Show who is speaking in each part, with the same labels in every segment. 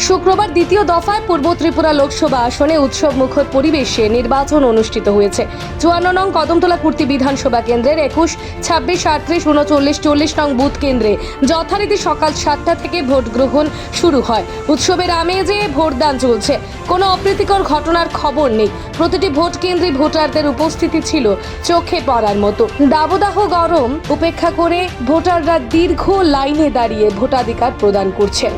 Speaker 1: শুক্রবার দ্বিতীয় দফায় পূর্ব ত্রিপুরা লোকসভা আসনে উৎসব মুখর পরিবেশে নির্বাচন অনুষ্ঠিত হয়েছে। 54 নং কদমতলা কুর্তি বিধানসভা কেন্দ্রের 21, 26, 38, 39, 40 নং বুথ কেন্দ্রে যথারীতি সকাল 7টা থেকে ভোট গ্রহণ শুরু হয়। উৎসবের আমেজে ভোটদান চলছে, কোনো অপ্রীতিকর ঘটনার খবর নেই। প্রতিটি ভোট কেন্দ্রে ভোটারদের উপস্থিতি ছিল চোখে পড়ার মতো। দাবদাহ গরম উপেক্ষা করে ভোটাররা দীর্ঘ লাইনে দাঁড়িয়ে ভোটাধিকার প্রদান করছেন।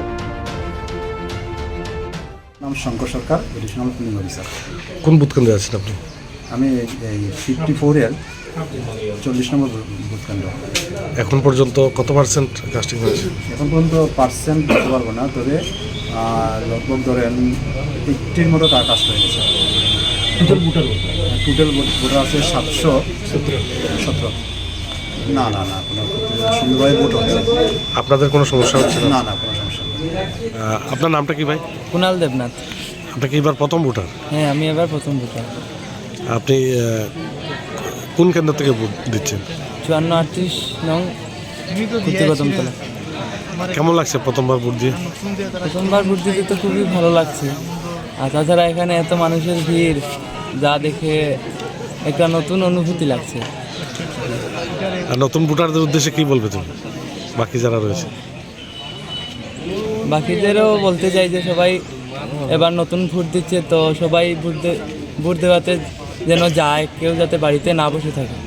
Speaker 2: নাম Shankar Sarkar, additional polling officer.
Speaker 3: কোন বুথ কেন্দ্রে আছেন আপনি?
Speaker 2: আমি এই 54-এর 40 নম্বর বুথ কেন্দ্র।
Speaker 3: এখন পর্যন্ত কত পার্সেন্ট কাস্টিং হয়েছে?
Speaker 2: এখন পর্যন্ত পার্সেন্ট বলতে পারবো না, তবে লগভগ ধরেন 80-র মতো কাস্ট হয়ে গেছে। টোটাল ভোটার আছে 717। না না না, কোনো সুন্দরভাবে ভোট হচ্ছে।
Speaker 3: আপনাদের কোনো সমস্যা হচ্ছে না?
Speaker 2: না না, কোনো সমস্যা নেই।
Speaker 3: আপনার নামটা কি ভাই?
Speaker 4: কুণাল দেবনাথ।
Speaker 3: আপনি কি এবার প্রথম ভোটার?
Speaker 4: হ্যাঁ, আমি এবার প্রথম ভোটার।
Speaker 3: আপনি কোন কেন্দ্র থেকে ভোট দিচ্ছেন?
Speaker 4: 54-38 নং কুর্তি কদমতলা।
Speaker 3: কেমন লাগছে প্রথমবার ভোট দিয়ে?
Speaker 4: প্রথমবার ভোট দিতে তো খুবই ভালো লাগছে, আর তাছাড়া এখানে এত মানুষের ভিড় যা দেখে একটা নতুন অনুভূতি লাগছে।
Speaker 3: আর নতুন ভোটারদের উদ্দেশ্যে কি বলবে তুমি, বাকি যারা রয়েছে?
Speaker 4: বাকিদেরও বলতে চাই যে সবাই এবার নতুন ভোট দিচ্ছে, তো সবাই ভোট দেওয়াতে যেন যায়, কেউ যাতে বাড়িতে না বসে থাকে।